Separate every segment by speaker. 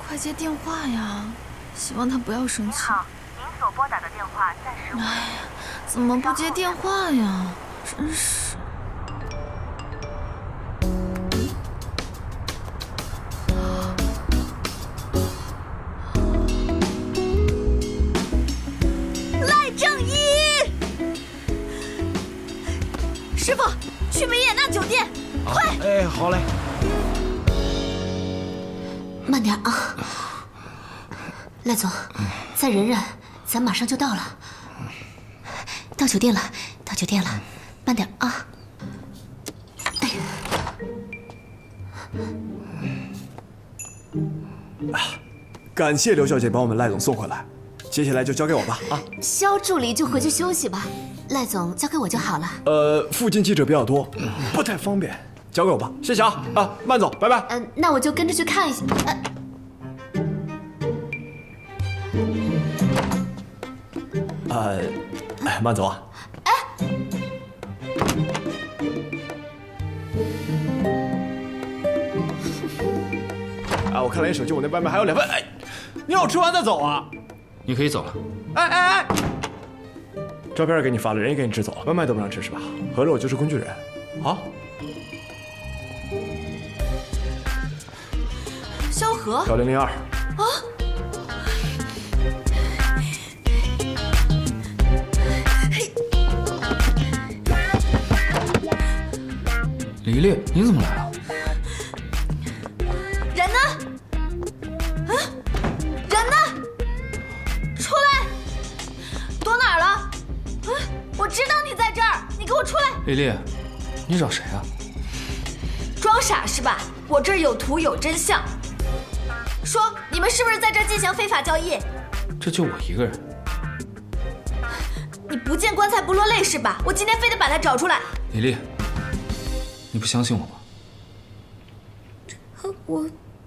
Speaker 1: 快接电话呀！希望他不要生气。
Speaker 2: 您好，您所拨打的电话暂时无。
Speaker 1: 哎呀，怎么不接电话呀？真是。
Speaker 3: 赖正一，师傅，去维也纳酒店，快！
Speaker 4: 哎，好嘞。
Speaker 5: 慢点啊，赖总，再忍忍，咱马上就到了。到酒店了，到酒店了，慢点啊。
Speaker 4: 感谢刘小姐帮我们赖总送回来，接下来就交给我吧啊。
Speaker 5: 肖助理就回去休息吧，赖总交给我就好了。
Speaker 4: 附近记者比较多，不太方便，交给我吧，谢谢啊啊，慢走，拜拜。
Speaker 5: 那我就跟着去看一下。
Speaker 4: 慢走啊。我看了眼手机，我那外卖还有2份。哎，你让我吃完再走啊？
Speaker 6: 你可以走了。
Speaker 4: 哎！照片给你发了，人也给你支走了，外卖都不让吃是吧？合着我就是工具人。好。
Speaker 1: 萧何。
Speaker 4: 小002。啊。
Speaker 6: 李丽，你怎么来了？
Speaker 3: 人呢？人呢？出来！躲哪儿了？我知道你在这儿，你给我出来！
Speaker 6: 李丽，你找谁啊？
Speaker 3: 装傻是吧？我这儿有图有真相。说，你们是不是在这儿进行非法交易？
Speaker 6: 这就我一个人。
Speaker 3: 你不见棺材不落泪是吧？我今天非得把他找出来。
Speaker 6: 李丽，你不相信我吗？
Speaker 5: 我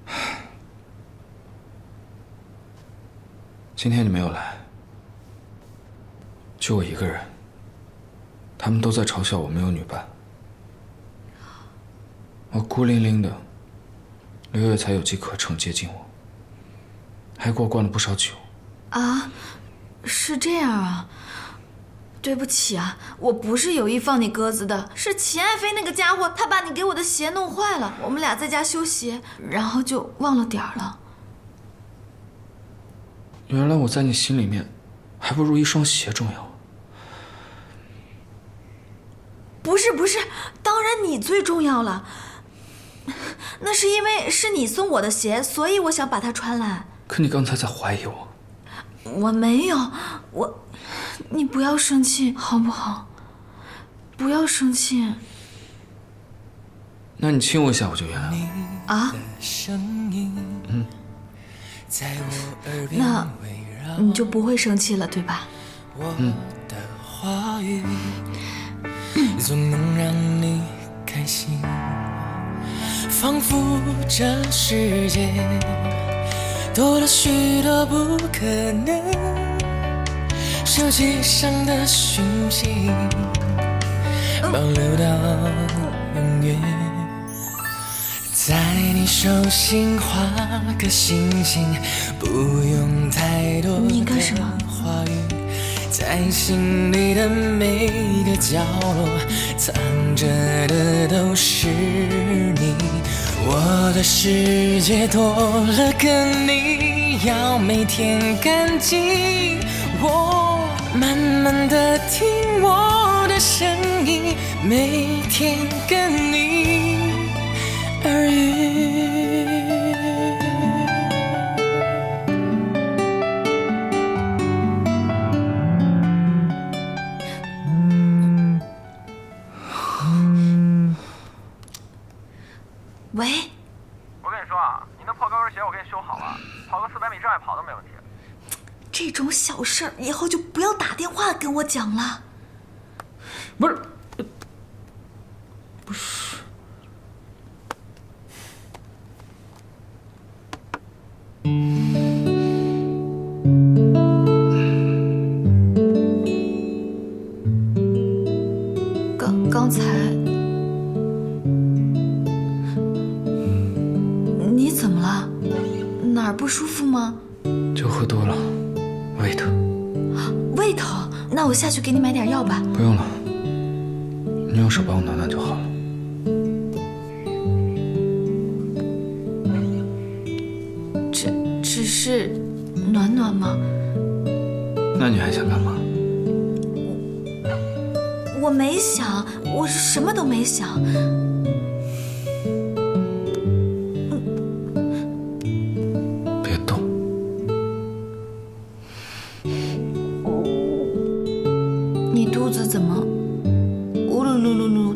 Speaker 6: 今天你没有来，就我一个人。他们都在嘲笑我没有女伴，我孤零零的，刘月才有机可乘接近我，还给我灌了不少酒。
Speaker 1: 啊，是这样啊。对不起啊，我不是有意放你鸽子的，是秦爱妃那个家伙，他把你给我的鞋弄坏了，我们俩在家修鞋，然后就忘了点儿了。
Speaker 6: 原来我在你心里面，还不如一双鞋重要。
Speaker 1: 不是，当然你最重要了。那是因为是你送我的鞋，所以我想把它穿来。
Speaker 6: 可你刚才在怀疑我。
Speaker 1: 我没有，你不要生气好不好？不要生气。
Speaker 6: 那你亲我一下我就原谅了。
Speaker 1: 啊？那你就不会生气了，对吧？
Speaker 7: 总能让你开心，仿佛这世界多了许多不可能，手机上的讯息保留到永远，在你手心画个星星，不用太多的话语，在心里的每个角落藏着的都是你，我的世界多了个你，要每天干净。我慢慢的听我的声音，每天跟你耳语。
Speaker 1: 喂，
Speaker 2: 我跟你说啊，你那破高跟鞋我给你修好了，跑个400米障碍跑都没问题。
Speaker 1: 这种小事儿以后就不要打电话跟我讲了。
Speaker 6: 不是。
Speaker 1: 刚才你怎么了？ 哪儿不舒服吗？
Speaker 6: 就喝多了，胃疼。
Speaker 1: 胃疼？那我下去给你买点药吧。
Speaker 6: 不用了，你用手帮我暖暖就好了。
Speaker 1: 只是暖暖吗？
Speaker 6: 那你还想干嘛？
Speaker 1: 我没想，我什么都没想。
Speaker 6: 别动。
Speaker 1: 你肚子怎么咕噜噜噜噜？